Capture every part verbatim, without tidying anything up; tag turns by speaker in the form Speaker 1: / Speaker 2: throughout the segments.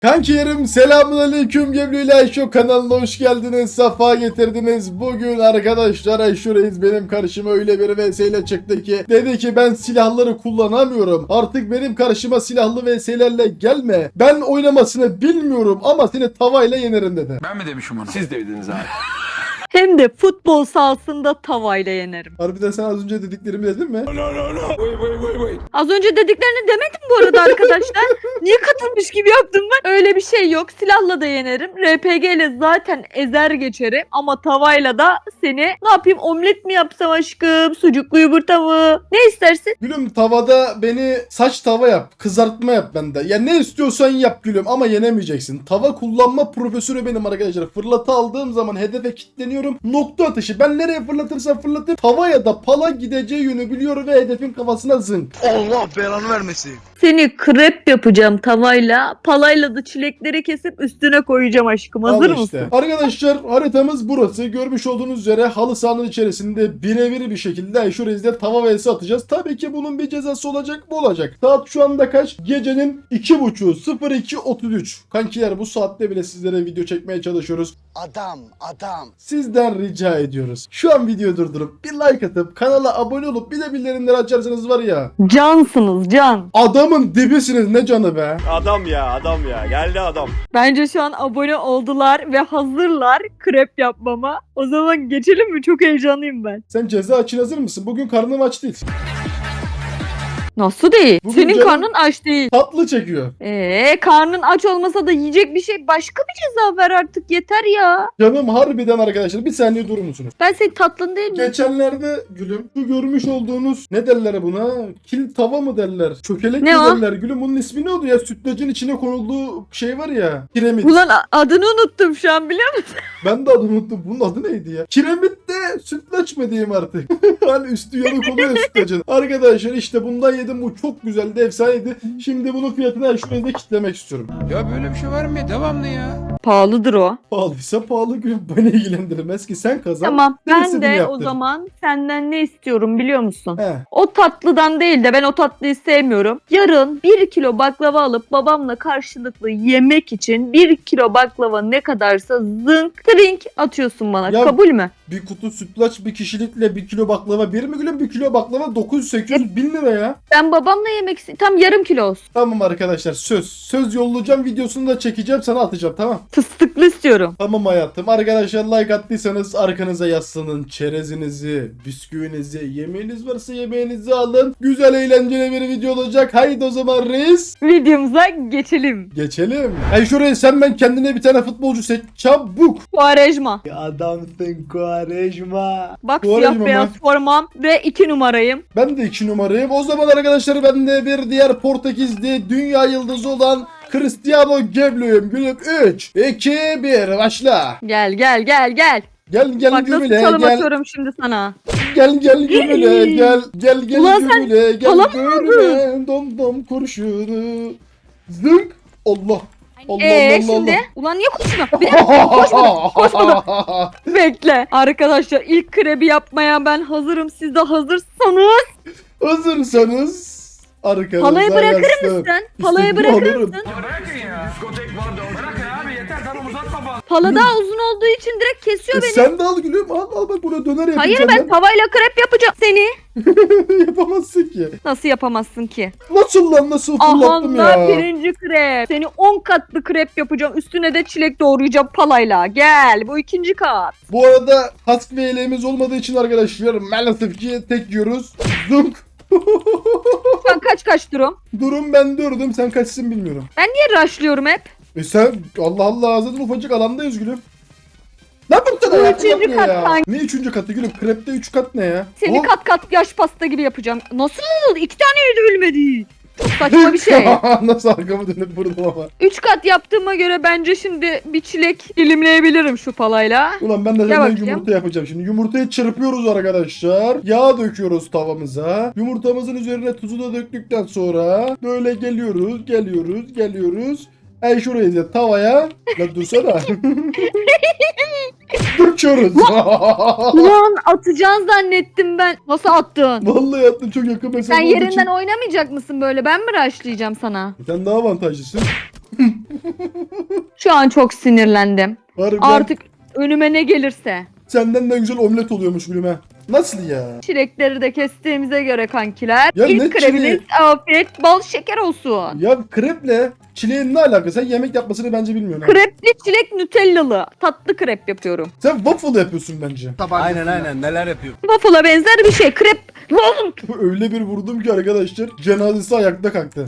Speaker 1: Kankilerim selamünaleyküm. Geblu ile Ayşo kanalına hoş geldiniz. Safa getirdiniz. Bugün arkadaşlar Ayşo Reis benim karşıma öyle bir vs ile çıktı ki dedi ki ben silahları kullanamıyorum. Artık benim karşıma silahlı vs'lerle gelme. Ben oynamasını bilmiyorum ama seni tavayla yenerim dedi.
Speaker 2: Ben mi demişim onu?
Speaker 3: Siz de dediniz abi.
Speaker 4: Hem de futbol sahasında tavayla yenerim.
Speaker 1: Harbiden sen az önce dediklerimi dedin mi?
Speaker 3: No no no. Wait wait wait wait.
Speaker 4: Az önce dediklerini demedim bu arada arkadaşlar. Niye katılmış gibi yaptım ben? Öyle bir şey yok. Silahla da yenerim. R P G ile zaten ezer geçerim. Ama tavayla da seni ne yapayım, omlet mi yapsam aşkım? Sucuklu yumurta mı? Ne istersin?
Speaker 1: Gülüm tavada beni saç tava yap. Kızartma yap bende. Ya ne istiyorsan yap gülüm ama yenemeyeceksin. Tava kullanma profesörü benim arkadaşlar. Fırlatı aldığım zaman hedefe kilitleniyorum. Nokta atışı. Ben nereye fırlatırsam fırlatayım. Tava ya da pala gideceği yönü biliyor ve hedefin kafasına zınk.
Speaker 5: Allah belanı vermesin.
Speaker 4: Seni krep yapacağım tavayla. Palayla da çilekleri kesip üstüne koyacağım aşkım. Hazır
Speaker 1: Al işte.
Speaker 4: mısın?
Speaker 1: Arkadaşlar haritamız burası. Görmüş olduğunuz üzere halı sahanın içerisinde birebir bir şekilde Ayşo Reis'de tava vs atacağız. Tabii ki bunun bir cezası olacak mı olacak. Saat şu anda kaç? Gecenin iki buçuğu sıfır iki otuz üç. Kankiler bu saatte bile sizlere video çekmeye çalışıyoruz.
Speaker 5: Adam adam.
Speaker 1: Sizden rica ediyoruz. Şu an videoyu durdurup bir like atıp kanala abone olup bir de bildirimleri açarsanız var ya.
Speaker 4: Cansınız can.
Speaker 1: Adamın dibisiniz ne canı be.
Speaker 3: Adam ya adam ya. Geldi adam.
Speaker 4: Bence şu an abone oldular ve hazırlar krep yapmama. O zaman geçelim mi? Çok heyecanlıyım ben.
Speaker 1: Sen ceza için hazır mısın? Bugün karnım aç değil.
Speaker 4: Nasıl değil?
Speaker 1: Bugün
Speaker 4: Senin
Speaker 1: canım-
Speaker 4: karnın aç değil.
Speaker 1: Tatlı çekiyor.
Speaker 4: Eee karnın aç olmasa da yiyecek bir şey, başka bir ceza ver artık, yeter ya.
Speaker 1: Canım harbiden arkadaşlar. Bir saniye durur musunuz?
Speaker 4: Ben senin tatlın değil mi?
Speaker 1: Geçenlerde gülüm şu görmüş olduğunuz ne derler buna? Kil tava mı derler? Çökelek
Speaker 4: Ne
Speaker 1: mi
Speaker 4: o?
Speaker 1: derler? Gülüm bunun ismi ne oldu ya? Sütlacın içine konulduğu şey var ya. Kiremit.
Speaker 4: Ulan a- adını unuttum şu an, biliyor musun?
Speaker 1: Ben de adını unuttum. Bunun adı neydi ya? Kiremit de sütlaç mı diyeyim artık? Hani üstü yanık oluyor sütlacın. Arkadaşlar işte bundan yedim. Bu çok güzeldi. Efsaneydi. Şimdi bunun fiyatını her şurada kitlemek istiyorum.
Speaker 2: Ya böyle bir şey var mı ya? Devamlı ya.
Speaker 4: Pahalıdır o.
Speaker 1: Pahalıysa pahalı gülüm. Beni ilgilendirmez ki sen kazan.
Speaker 4: Tamam,
Speaker 1: ben
Speaker 4: ben
Speaker 1: istediğimi
Speaker 4: de o
Speaker 1: yaptırırım.
Speaker 4: zaman senden ne istiyorum biliyor musun?
Speaker 1: He.
Speaker 4: O tatlıdan değil de, ben o tatlıyı sevmiyorum. Yarın bir kilo baklava alıp babamla karşılıklı yemek için bir kilo baklava ne kadarsa zınk trink atıyorsun bana.
Speaker 1: Ya-
Speaker 4: Kabul mü?
Speaker 1: Bir kutu sütlaç bir kişilikle bir kilo baklava. Bir mi gülüm? Bir kilo baklava dokuz yüz sekiz yüz bin lira ya.
Speaker 4: Ben babamla yemek istiyorum. Tam yarım kilo olsun.
Speaker 1: Tamam arkadaşlar söz. Söz yollayacağım, videosunu da çekeceğim, sana atacağım, tamam.
Speaker 4: Fıstıklı istiyorum.
Speaker 1: Tamam hayatım. Arkadaşlar like attıysanız arkanıza yaslanın. Çerezinizi, bisküvinizi, yemeğiniz varsa yemeğinizi alın. Güzel eğlenceli bir video olacak. Haydi o zaman reis.
Speaker 4: Videomuza geçelim.
Speaker 1: Geçelim. Hey şuraya sen ben kendine bir tane futbolcu seç. Çabuk.
Speaker 4: Kuarejma.
Speaker 1: Adamsın Kuarejma.
Speaker 4: Bak
Speaker 1: Kuarejma
Speaker 4: siyah beyaz
Speaker 1: mı?
Speaker 4: formam ve iki numarayım.
Speaker 1: Ben de iki numarayım. O zaman arkadaşlar ben de bir diğer Portekizli dünya yıldızı olan Cristiano Geblu'yum. Gülüm üç, iki, bir başla.
Speaker 4: Gel gel gel gel.
Speaker 1: Gel gel
Speaker 4: Bak nasıl
Speaker 1: gümüle
Speaker 4: çalım
Speaker 1: gel.
Speaker 4: atıyorum şimdi sana.
Speaker 1: Gel gel gümüle gel. Gel gel
Speaker 4: Ulan sen
Speaker 1: gümüle gel.
Speaker 4: çalamıyor
Speaker 1: Görme dom dom kurşunu. Zınk. Allah. Allah
Speaker 4: Eee
Speaker 1: Allah
Speaker 4: şimdi?
Speaker 1: Allah.
Speaker 4: Ulan niye koşmuyor? Bir dakika, koşmadım. Koşmadım. Bekle. Arkadaşlar ilk krebi yapmaya ben hazırım. Siz de hazırsanız.
Speaker 1: Hazırsanız arkanıza
Speaker 4: Palayı bırakır
Speaker 1: yaslanın.
Speaker 4: mısın? Palayı
Speaker 1: İstediğimi
Speaker 4: bırakır
Speaker 1: alırım.
Speaker 4: mısın?
Speaker 2: Ya bırakın ya. Diskotek vardı. Bırakın abi yeter. Tamam uzatma fazla.
Speaker 4: Pala daha uzun olduğu için direkt kesiyor
Speaker 1: E
Speaker 4: beni.
Speaker 1: sen de al gülüm, al al bak buraya döner yapayım
Speaker 4: Hayır,
Speaker 1: senden.
Speaker 4: ben tavayla krep yapacağım seni.
Speaker 1: Yapamazsın ki.
Speaker 4: Nasıl yapamazsın ki?
Speaker 1: Nasıl lan, nasıl
Speaker 4: Aha
Speaker 1: fırlattım
Speaker 4: da
Speaker 1: ya.
Speaker 4: birinci krep. Seni on katlı krep yapacağım. Üstüne de çilek doğrayacağım palayla. Gel, bu ikinci kat.
Speaker 1: Bu arada kask ve yeleğimiz olmadığı için arkadaşlar maalesef ki tek yiyoruz. Zunk.
Speaker 4: Şu an kaç kaç durum?
Speaker 1: Durum ben dördüm, sen kaçsın bilmiyorum.
Speaker 4: Ben niye rushlıyorum hep?
Speaker 1: E sen Allah Allah zaten ufacık alandayız gülüm. Ne bu kadar
Speaker 4: Bu
Speaker 1: yaptın
Speaker 4: üçüncü
Speaker 1: ya?
Speaker 4: kattan.
Speaker 1: Ne üçüncü katı gülüm? Krepte üç kat ne ya?
Speaker 4: Seni
Speaker 1: Oh.
Speaker 4: kat kat yaş pasta gibi yapacağım. Nasıl? İki tane de ölmedi. Çok saçma bir şey.
Speaker 1: Nasıl arkamı dönüp vurdum ama.
Speaker 4: Üç kat yaptığıma göre bence şimdi bir çilek dilimleyebilirim şu palayla.
Speaker 1: Ulan ben de
Speaker 4: Gel
Speaker 1: senden
Speaker 4: bakayım.
Speaker 1: yumurta yapacağım. Şimdi yumurtayı çırpıyoruz arkadaşlar. Yağ döküyoruz tavamıza. Yumurtamızın üzerine tuzu da döktükten sonra böyle geliyoruz, geliyoruz, geliyoruz. Ey şuraya tavaya. Lan dursana. Döküyoruz.
Speaker 4: Ulan atacaksın zannettim ben. Nasıl attın?
Speaker 1: Vallahi attım, çok yakın mesafe
Speaker 4: Sen
Speaker 1: olduğu
Speaker 4: yerinden
Speaker 1: için.
Speaker 4: oynamayacak mısın böyle? Ben mi rushlayacağım sana?
Speaker 1: Sen daha avantajlısın.
Speaker 4: Şu an çok sinirlendim.
Speaker 1: Harbiden
Speaker 4: Artık önüme ne gelirse.
Speaker 1: senden de güzel omlet oluyormuş gülüme. Nasıl ya?
Speaker 4: Çilekleri de kestiğimize göre kankiler.
Speaker 1: Ya ne
Speaker 4: İlk kreminiz
Speaker 1: çileği?
Speaker 4: afiyet bal şeker olsun.
Speaker 1: Ya kreple çileğin ne alakası? Sen yemek yapmasını bence bilmiyorsun. ha.
Speaker 4: Krepli çilek nutellalı. Tatlı krep yapıyorum.
Speaker 1: Sen waffle yapıyorsun bence.
Speaker 5: Aynen aynen neler yapıyor.
Speaker 4: Waffle'a benzer bir şey. Krep. Lan!
Speaker 1: Öyle bir vurdum ki arkadaşlar, cenazesi ayakta kalktı.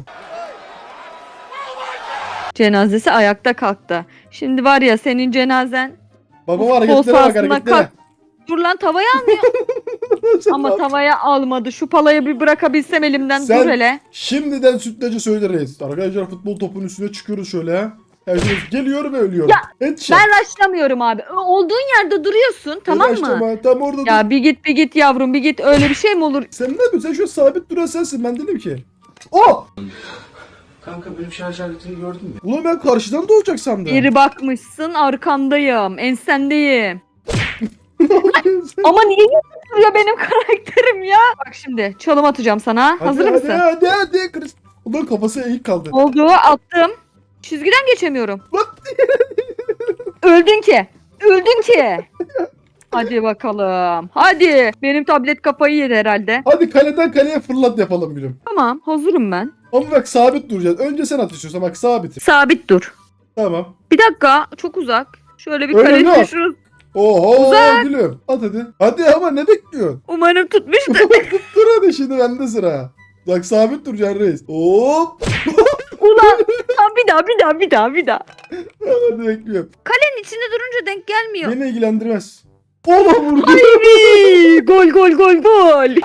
Speaker 4: Cenazesi ayakta kalktı. Şimdi var ya senin cenazen.
Speaker 1: Baba
Speaker 4: Futbol
Speaker 1: hareketlere bak,
Speaker 4: sahasında
Speaker 1: hareketlere.
Speaker 4: kalk. Dur lan tavaya almıyor.
Speaker 1: Sen
Speaker 4: Ama
Speaker 1: bak.
Speaker 4: tavaya almadı. Şu palayı bir bırakabilsem elimden.
Speaker 1: Sen-
Speaker 4: Dur hele.
Speaker 1: Şimdiden sütlacı söyleriz. Arkadaşlar futbol topunun üstüne çıkıyoruz şöyle ha. Herkes geliyor ve ölüyor.
Speaker 4: Ya,
Speaker 1: Headshot.
Speaker 4: Ben raşlamıyorum abi. Ö- Olduğun yerde duruyorsun tamam mı?
Speaker 1: Uğraştırma, tam orada dur.
Speaker 4: Ya bir git bir git yavrum bir git. Öyle bir şey mi olur?
Speaker 1: Sen ne yapıyorsun? Sen şu sabit duran sensin. Ben dedim ki. Oh!
Speaker 5: Kanka benim şarj aletini gördün mü?
Speaker 1: Ulan ben karşıdan doğacak sandım.
Speaker 4: Geri bakmışsın arkandayım. Ensendeyim. Ama niye duruyor benim karakterim ya? Bak şimdi çalım atacağım sana.
Speaker 1: Hadi,
Speaker 4: Hazır
Speaker 1: hadi,
Speaker 4: mısın?
Speaker 1: Hadi hadi hadi. Ulan kafası eğik kaldı.
Speaker 4: Oldu attım. Çizgiden geçemiyorum.
Speaker 1: Lan.
Speaker 4: Öldün ki. Öldün ki. Hadi bakalım. Hadi. Benim tablet kafayı yedi herhalde.
Speaker 1: Hadi kaleden kaleye fırlat yapalım gülüm.
Speaker 4: Tamam hazırım ben.
Speaker 1: Ama bak sabit duracağız. Önce sen at istiyorsan, bak sabit.
Speaker 4: Sabit dur.
Speaker 1: Tamam.
Speaker 4: Bir dakika çok uzak. Şöyle bir
Speaker 1: Öyle
Speaker 4: kare
Speaker 1: mi?
Speaker 4: düşürürüz.
Speaker 1: Oho gülüm. At hadi. Hadi ama ne bekliyorsun?
Speaker 4: Umarım tutmuştur.
Speaker 1: Dur hadi, şimdi bende sıra. Bak sabit duracaksın reis. Hop.
Speaker 4: Ulan. Tamam, bir daha bir daha bir daha bir daha.
Speaker 1: Hadi bekliyorum.
Speaker 4: Kalenin içinde durunca denk gelmiyor.
Speaker 1: Beni ilgilendirmez. Oğlum vurdu.
Speaker 4: Ay, gol gol gol gol.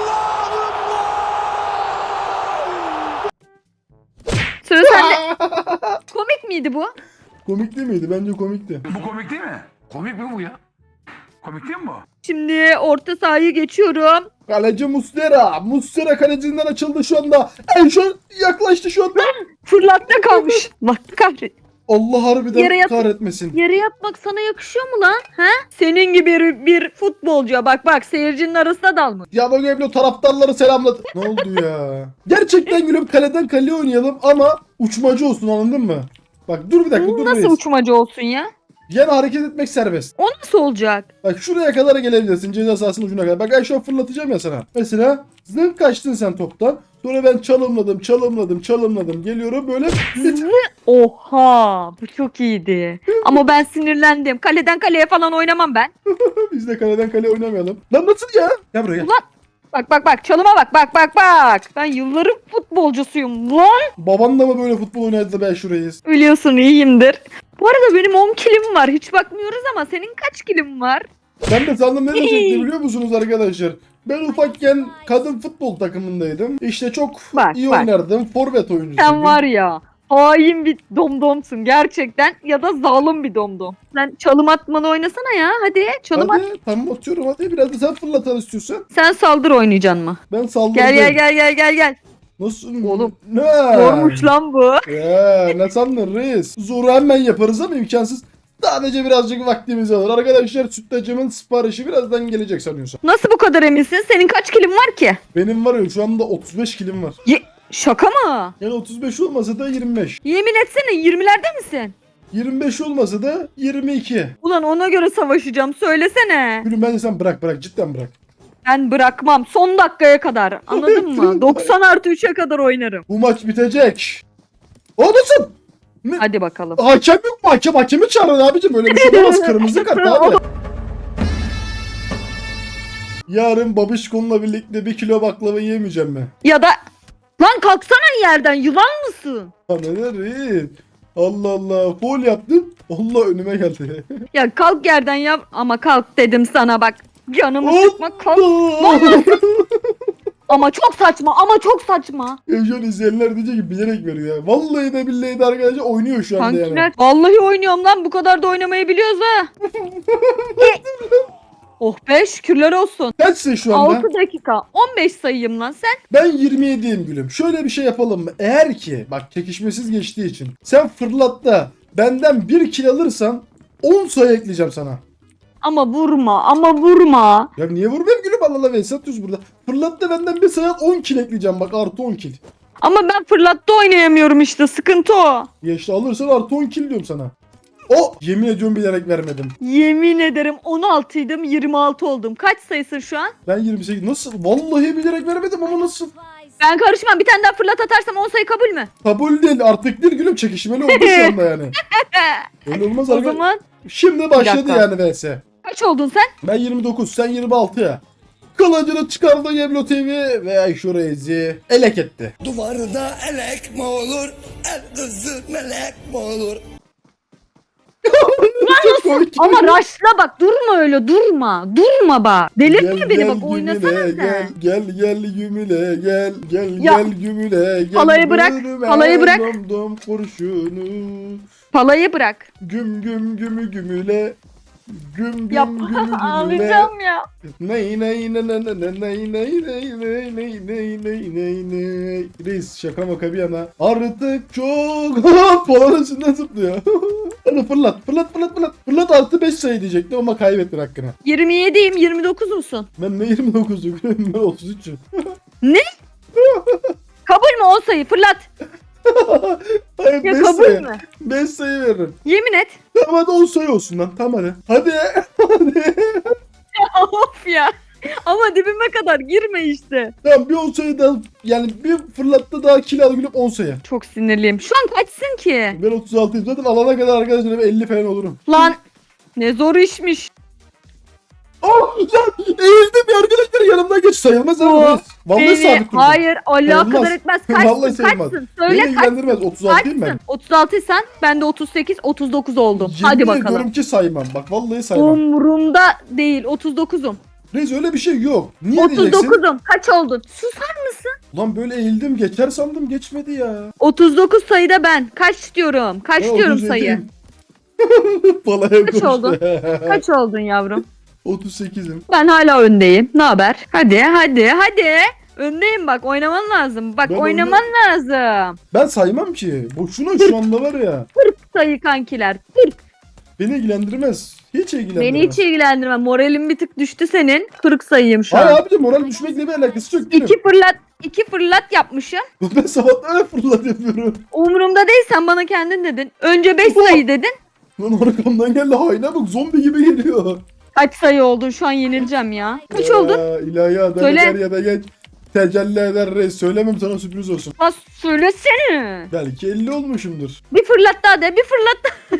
Speaker 4: Sıra sende. Komik miydi bu?
Speaker 1: Komik değil miydi? Bence komikti.
Speaker 2: Bu komik değil mi? Komik mi bu ya? Komik değil mi bu?
Speaker 4: Şimdi orta sahayı geçiyorum.
Speaker 1: Kaleci Muslera. Muslera kalecinden açıldı şu anda. En şu yaklaştı şu anda.
Speaker 4: Fırlatta kalmış. Bak kahret.
Speaker 1: Allah harbiden
Speaker 4: Yere yat-
Speaker 1: kahretmesin.
Speaker 4: Yere yatmak sana yakışıyor mu lan? He? Senin gibi bir, bir futbolcuya bak bak seyircinin arasına dalmış.
Speaker 1: Yano Geblo taraftarları selamladı. Ne oldu ya? Gerçekten gülüm, kaleden kaleye oynayalım ama uçmacı olsun, anladın mı? Bak dur bir dakika,
Speaker 4: Bu
Speaker 1: dur
Speaker 4: nasıl
Speaker 1: reis.
Speaker 4: uçmacı olsun ya?
Speaker 1: Yani hareket etmek serbest.
Speaker 4: O nasıl olacak?
Speaker 1: Bak şuraya kadar gelebilirsin, ceza sahasının ucuna kadar. Bak ben şu an fırlatacağım ya sana. Mesela zınk kaçtın sen toptan. Sonra ben çalımladım, çalımladım, çalımladım. Geliyorum böyle.
Speaker 4: Oha bu çok iyiydi. Ama ben sinirlendim. Kaleden kaleye falan oynamam ben.
Speaker 1: Biz de kaleden kaleye oynamayalım. Lan nasıl ya? Gel buraya gel.
Speaker 4: Ulan. Bak bak bak çalıma bak bak bak bak. Ben yılların futbolcusuyum lan.
Speaker 1: Baban da mı böyle futbol oynadı da ben şurayız?
Speaker 4: Biliyorsun iyiyimdir. Bu arada benim on kilim var. Hiç bakmıyoruz ama senin kaç kilim var?
Speaker 1: Ben de sandım ne diyecekti biliyor musunuz arkadaşlar? Ben ufakken kadın futbol takımındaydım. İşte çok
Speaker 4: Bak,
Speaker 1: iyi
Speaker 4: bak.
Speaker 1: oynardım. Forvet oyuncusuydum.
Speaker 4: Sen var ya hain bir domdomsun gerçekten ya da zalim bir domdom. Sen çalım atmalı oynasana ya hadi çalım at.
Speaker 1: Hadi tamam atıyorum, hadi biraz da sen fırlatan istiyorsan.
Speaker 4: Sen saldır oynayacaksın mı?
Speaker 1: Ben saldırdım.
Speaker 4: Gel gel gel gel gel gel.
Speaker 1: Nasıl?
Speaker 4: Oğlum,
Speaker 1: Ne?
Speaker 4: Zormuş lan bu.
Speaker 1: Ya ne sandın reis? Zoru hemen yaparız ama imkansız. Sadece birazcık vaktimiz alır. Arkadaşlar sütlacımın siparişi birazdan gelecek sanıyorsam.
Speaker 4: Nasıl bu kadar eminsin? Senin kaç kilin var ki?
Speaker 1: Benim var ya şu anda otuz beş kilim var.
Speaker 4: Ye- Şaka mı?
Speaker 1: Yani otuz beş olmasa da yirmi beş.
Speaker 4: Yemin etsene yirmilerde misin?
Speaker 1: yirmi beş olmasa da yirmi iki.
Speaker 4: Ulan ona göre savaşacağım söylesene.
Speaker 1: Gülüm bence sen bırak bırak, cidden bırak.
Speaker 4: Ben bırakmam son dakikaya kadar anladın mı? doksan artı üçe kadar oynarım.
Speaker 1: Bu maç bitecek. O nasıl? Ne?
Speaker 4: Hadi bakalım.
Speaker 1: Hakem yok mu? Hakem hakemi çağırın abicim. Öyle bir şey olmaz. Kırmızı kart abi. Yarın babişkonla birlikte bir kilo baklava yiyemeyeceğim mi?
Speaker 4: Ya da lan kalksana yerden yılan mısın?
Speaker 1: Ha neler reis? Allah Allah. Foul yaptın. Allah önüme geldi.
Speaker 4: Ya kalk yerden yap ama kalk dedim sana bak. Canımı
Speaker 1: Allah!
Speaker 4: sıkma kalk. Ama çok saçma ama çok saçma.
Speaker 1: Ya şu an izleyenler diyecek ki bilerek veriyor ya. Vallahi de billahi de arkadaşlar oynuyor şu anda yani.
Speaker 4: Kankiler vallahi oynuyorum lan bu kadar da oynamayı biliyoruz ha. Oh be şükürler olsun.
Speaker 1: Kaçsın şu anda?
Speaker 4: altı dakika on beş sayıyım lan sen.
Speaker 1: Ben yirmi yediyim gülüm. Şöyle bir şey yapalım mı? Eğer ki bak çekişmesiz geçtiği için sen fırlatta benden bir kill alırsan on sayı ekleyeceğim sana.
Speaker 4: Ama vurma ama vurma.
Speaker 1: Ya niye vurmayayım gülüm, Allah Allah, Veysel atıyoruz burada. Fırlat da benden bir sayı on kill ekleyeceğim bak, artı on kill.
Speaker 4: Ama ben fırlatta oynayamıyorum işte, sıkıntı o.
Speaker 1: Ya işte alırsan artı on kill diyorum sana. O yemin ediyorum bilerek vermedim.
Speaker 4: Yemin ederim on altıydım yirmi altı oldum. Kaç sayısın şu an?
Speaker 1: Ben yirmi sekiz, nasıl? Vallahi bilerek vermedim ama nasıl?
Speaker 4: Ben karışmam, bir tane daha fırlat atarsam on sayı kabul mü?
Speaker 1: Kabul değil artık, değil gülüm, çekişmeli oldu şu anda yani. Öyle olmaz
Speaker 4: O
Speaker 1: arkadaşlar.
Speaker 4: zaman
Speaker 1: Şimdi başladı
Speaker 4: dakika.
Speaker 1: yani V S.
Speaker 4: kaç oldun sen?
Speaker 1: Ben yirmi dokuz, sen yirmi altı ya. Kılıcını çıkardı Geblo T V ve Ayşe Reis'i elek etti.
Speaker 5: Duvarda elek mi olur? El kızı melek mi olur?
Speaker 1: Çok komik.
Speaker 4: Ama raşla bak, durma öyle, durma. Durma bak. Delirtme
Speaker 1: Gel,
Speaker 4: beni
Speaker 1: gel,
Speaker 4: bak,
Speaker 1: gümüle,
Speaker 4: oynasana
Speaker 1: gel,
Speaker 4: sen.
Speaker 1: gel gel gümüle gel gel
Speaker 4: Ya,
Speaker 1: gel gümüle gel.
Speaker 4: halayı bırak,
Speaker 1: Bölüme
Speaker 4: halayı bırak.
Speaker 1: Dom dom kurşunu.
Speaker 4: Palayı bırak.
Speaker 1: Güm güm gümü gümüle. Güm güm
Speaker 4: Yap.
Speaker 1: gümü gümüle.
Speaker 4: Ağlayacağım ya.
Speaker 1: Ney ney ney ney ney ney ney ney ney ney ney ney ney ney. Reis şaka maka bir yana. Artık çok falan üstünden zıplıyor. Hadi fırlat fırlat fırlat fırlat. Fırlat artı beş sayı diyecektim ama kaybettin hakkını.
Speaker 4: yirmi yediyim, yirmi dokuz musun?
Speaker 1: Ben ne yirmi dokuz'um ben otuz üç'üm.
Speaker 4: Kabul mü on sayı? Fırlat.
Speaker 1: Hayır
Speaker 4: Ya
Speaker 1: beş
Speaker 4: kabul
Speaker 1: sayı.
Speaker 4: mü?
Speaker 1: beş sayı veririm.
Speaker 4: Yemin et.
Speaker 1: Tamam hadi on sayı olsun lan. Tamam hadi. Hadi. Hadi.
Speaker 4: Of ya. Ama dibime kadar girme işte.
Speaker 1: Tamam bir on sayı daha, yani bir fırlatta daha kill al gülüm, on sayı.
Speaker 4: Çok sinirliyim. Şu an kaçsın ki?
Speaker 1: Ben otuz altıyım zaten, alana kadar arkadaşlar elli falan olurum.
Speaker 4: Lan ne zor işmiş.
Speaker 1: Oh lan eğildim ya arkadaşlar, yanımdan geç, sayılmaz
Speaker 4: Oo,
Speaker 1: ama. Vallahi
Speaker 4: Beni,
Speaker 1: sabit durdum.
Speaker 4: hayır alakadar
Speaker 1: Sayılmaz.
Speaker 4: etmez.
Speaker 1: Vallahi
Speaker 4: Kaçsın
Speaker 1: sayılmaz.
Speaker 4: kaçsın.
Speaker 1: Beni
Speaker 4: Söyle kaç.
Speaker 1: ilgilendirmez, otuz altıyım ben.
Speaker 4: Kaçsın? otuz altıysan ben de otuz sekiz otuz dokuz oldum.
Speaker 1: Yemin
Speaker 4: Hadi bakalım.
Speaker 1: ediyorum ki saymam, bak vallahi saymam.
Speaker 4: Umurumda değil, otuz dokuzum.
Speaker 1: Reis öyle bir şey yok. Niye
Speaker 4: otuz
Speaker 1: diyeceksin?
Speaker 4: dokuzum. Kaç oldun? Susar mısın?
Speaker 1: Lan böyle eğildim geçer sandım, geçmedi ya.
Speaker 4: otuz dokuz sayıda ben. Kaç diyorum? Kaç
Speaker 1: Ben
Speaker 4: diyorum
Speaker 1: otuz
Speaker 4: sayı?
Speaker 1: yediyim. Palaya
Speaker 4: Kaç
Speaker 1: koştu.
Speaker 4: oldun? Kaç oldun yavrum?
Speaker 1: otuz sekiz'im.
Speaker 4: Ben hala öndeyim. Ne haber? Hadi hadi hadi. Öndeyim bak, oynaman lazım. Bak
Speaker 1: Ben
Speaker 4: oynaman lazım.
Speaker 1: Ben saymam ki. Boşuna şu anda var ya.
Speaker 4: Sayı kankiler. kırk.
Speaker 1: Beni ilgilendirmez. Hiç ilgilendirmez.
Speaker 4: Beni hiç ilgilendirme. Moralim bir tık düştü senin. kırk sayıyım şu an.
Speaker 1: Hayır abicim, moral düşmekle bir alakası yok. gülüm.
Speaker 4: İki fırlat, iki fırlat yapmışım.
Speaker 1: Ben sabahtan öyle fırlat yapıyorum.
Speaker 4: Umurumda değil, sen bana kendin dedin. Önce beş sayı dedin.
Speaker 1: Lan arkamdan geldi, hayna bak, zombi gibi geliyor.
Speaker 4: Kaç sayı oldun? Şu an yenileceğim ya. Kaç oldun?
Speaker 1: Ya, ilahi adalet
Speaker 4: Söyle.
Speaker 1: er ya da geç. Tecelli eder reis. Söylemem sana, sürpriz olsun.
Speaker 4: Bas söylesene.
Speaker 1: Belki elli olmuşumdur.
Speaker 4: Bir fırlat daha de, bir fırlat daha.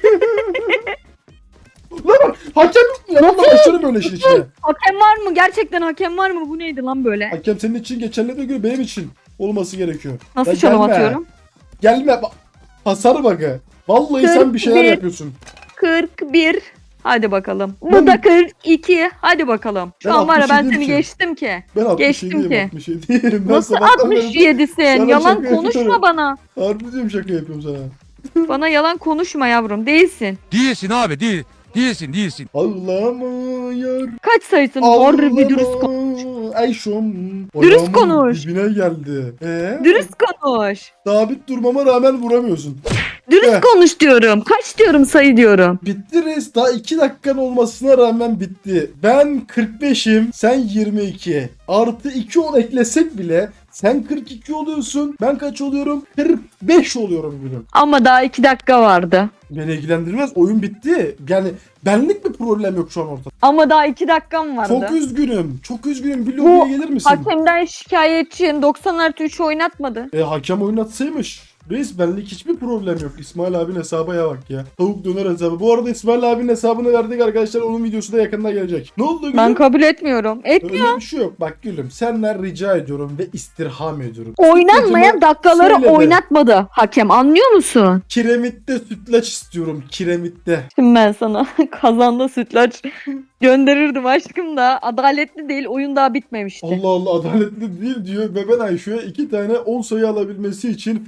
Speaker 1: Lan hakem yok mu ya? Lan başlarım böyle işin içine.
Speaker 4: Hakem var mı? Gerçekten hakem var mı? Bu neydi lan böyle?
Speaker 1: Hakem senin için geçerli de göre benim için olması gerekiyor.
Speaker 4: Nasıl
Speaker 1: Ya
Speaker 4: çalım
Speaker 1: gelme.
Speaker 4: atıyorum?
Speaker 1: Gelme. bak. Hasar bakı. Vallahi sen bir şeyler
Speaker 4: kırk bir.
Speaker 1: yapıyorsun.
Speaker 4: kırk bir. Hadi bakalım. Bu
Speaker 1: Ben-
Speaker 4: da kırk iki. Hadi bakalım. Şu
Speaker 1: Ben
Speaker 4: an var ya, ben
Speaker 1: altmış
Speaker 4: seni
Speaker 1: yediyim ki.
Speaker 4: geçtim ki.
Speaker 1: Ben altmış
Speaker 4: Geçtim
Speaker 1: yediyim,
Speaker 4: ki.
Speaker 1: altmış yediyim. Ben
Speaker 4: Nasıl
Speaker 1: sabahtan beri-
Speaker 4: altmış yedisin?
Speaker 1: Sana
Speaker 4: Yalan
Speaker 1: şaka
Speaker 4: konuşma
Speaker 1: yapıyorum.
Speaker 4: bana.
Speaker 1: Harbi diyorum, şaka yapıyorum sana.
Speaker 4: Bana yalan konuşma yavrum. Değilsin.
Speaker 3: Değilsin abi değil. Değilsin değilsin.
Speaker 1: Ağlamıyor.
Speaker 4: Kaç sayısın? Harbi bir dürüst konuş.
Speaker 1: Ayşom.
Speaker 4: Dürüst
Speaker 1: Ayağımın
Speaker 4: konuş.
Speaker 1: Dibine geldi. Ee?
Speaker 4: Dürüst konuş.
Speaker 1: Sabit durmama rağmen vuramıyorsun.
Speaker 4: Dürüst
Speaker 1: Eh.
Speaker 4: konuş diyorum. Kaç diyorum, sayı diyorum.
Speaker 1: Bitti reis. Daha iki dakikan olmasına rağmen bitti. Ben kırk beş'im. Sen yirmi iki. Artı iki on eklesek bile sen kırk iki oluyorsun. Ben kaç oluyorum? kırk beş oluyorum gülüm.
Speaker 4: Ama daha iki dakika vardı.
Speaker 1: Beni ilgilendirmez. Oyun bitti. Yani benlik bir problem yok şu an ortada.
Speaker 4: Ama daha iki dakikam vardı.
Speaker 1: Çok üzgünüm. Çok üzgünüm. Bir
Speaker 4: Bu
Speaker 1: lobiye gelir misin?
Speaker 4: Hakemden şikayetçiyim. doksan artı üç oynatmadı.
Speaker 1: E hakem oynatsaymış. Reis benlik hiçbir problem yok. İsmail abinin hesaba ya bak ya. Tavuk döner hesabı. Bu arada İsmail abinin hesabını verdik arkadaşlar. Onun videosu da yakında gelecek. Ne oldu gülüm?
Speaker 4: Ben kabul etmiyorum. Etmiyor.
Speaker 1: Öyle bir şey yok. Bak gülüm, senden rica ediyorum ve istirham ediyorum.
Speaker 4: Oynanmayan
Speaker 1: Sütlacımı
Speaker 4: dakikaları
Speaker 1: söyle de.
Speaker 4: oynatmadı hakem, anlıyor musun?
Speaker 1: Kiremitte sütlaç istiyorum. Kiremitte.
Speaker 4: Şimdi ben sana kazanda sütlaç gönderirdim aşkım da adaletli değil, oyun daha bitmemişti.
Speaker 1: Allah Allah, adaletli değil diyor ve ben Ayşe'ye iki tane on sayı alabilmesi için fırsat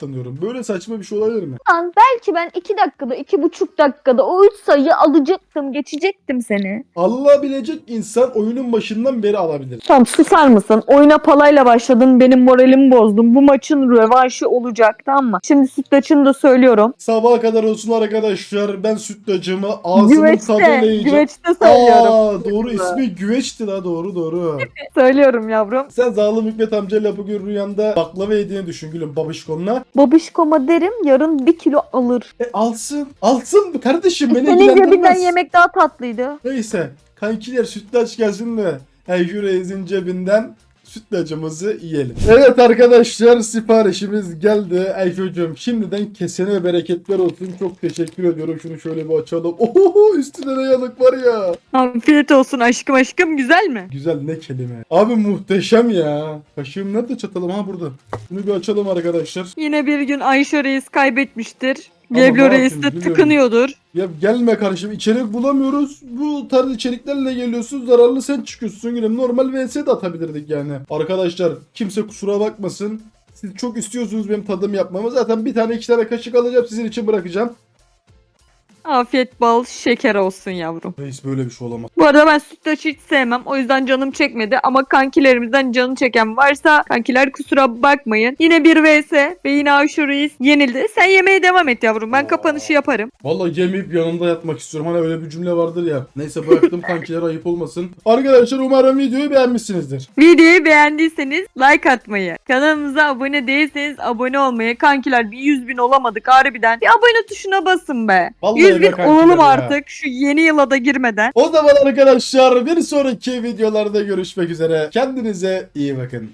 Speaker 1: katlanıyorum. Böyle saçma bir şey olabilir mi?
Speaker 4: Lan belki ben iki dakikada, iki buçuk dakikada o üç sayıyı alacaktım, geçecektim seni.
Speaker 1: Allah bilecek insan oyunun başından beri alabilir.
Speaker 4: Tamam susar mısın? Oyuna palayla başladın, benim moralimi bozdun. Bu maçın rövanşı olacak, tamam mı? Şimdi sütlaçını da söylüyorum.
Speaker 1: Sabaha kadar olsun arkadaşlar. Ben sütlacımı ağzımın
Speaker 4: Güveçte,
Speaker 1: tadıyla yiyeceğim.
Speaker 4: güveçte söylüyorum.
Speaker 1: Aa, doğru ismi Güveç'ti la, doğru doğru.
Speaker 4: Söylüyorum yavrum.
Speaker 1: Sen zalim Hikmet amcayla bugün rüyanda baklava yediğini düşün gülüm babişkonla.
Speaker 4: Babişkoma derim, yarın bir kilo alır.
Speaker 1: E alsın. Alsın kardeşim, beni
Speaker 4: Senin cebinden
Speaker 1: ilgilendirmez.
Speaker 4: yemek daha tatlıydı.
Speaker 1: Neyse kankiler sütlaç gelsin de Ayşe Reis'in cebinden sütlacımızı yiyelim. Evet arkadaşlar, siparişimiz geldi. Ayşe'cim şimdiden kesene bereketler olsun. Çok teşekkür ediyorum. Şunu şöyle bir açalım. Oho, üstüne de yanık var ya.
Speaker 4: Afiyet olsun aşkım aşkım, güzel mi?
Speaker 1: Güzel ne kelime. Abi muhteşem ya. Kaşığım nerede, çatalım? Ha burada. Bunu bir açalım arkadaşlar.
Speaker 4: Yine bir gün Ayşe Reis kaybetmiştir.
Speaker 1: Ama ne
Speaker 4: Geblo Reis
Speaker 1: yapayım,
Speaker 4: de
Speaker 1: biliyorum.
Speaker 4: tıkınıyordur.
Speaker 1: Ya gelme kardeşim, içerik bulamıyoruz. Bu tarz içeriklerle geliyorsun, zararlı sen çıkıyorsun gülüm. Normal V S de atabilirdik yani. Arkadaşlar kimse kusura bakmasın. Siz çok istiyorsunuz benim tadım yapmamı. Zaten bir tane iki tane kaşık alacağım, sizin için bırakacağım.
Speaker 4: Afiyet bal şeker olsun yavrum.
Speaker 1: Reis böyle bir şey olamaz.
Speaker 4: Bu arada ben sütlaç hiç sevmem. O yüzden canım çekmedi. Ama kankilerimizden canı çeken varsa kankiler kusura bakmayın. Yine bir V S ve yine Ayşe Reis yenildi. Sen yemeye devam et yavrum. Ben kapanışı yaparım.
Speaker 1: Vallahi yemeyip yanında yatmak istiyorum. Hani öyle bir cümle vardır ya. Neyse bıraktım kankiler, ayıp olmasın. Arkadaşlar umarım videoyu beğenmişsinizdir.
Speaker 4: Videoyu beğendiyseniz like atmayı, kanalımıza abone değilseniz abone olmayı, kankiler bir yüz bin olamadık harbiden. Bir abone tuşuna basın be.
Speaker 1: Vallahi
Speaker 4: yüz
Speaker 1: be
Speaker 4: bin
Speaker 1: kankiler
Speaker 4: olalım
Speaker 1: ya.
Speaker 4: artık şu yeni yıla da girmeden.
Speaker 1: O zaman arkadaşlar bir sonraki videolarda görüşmek üzere. Kendinize iyi bakın.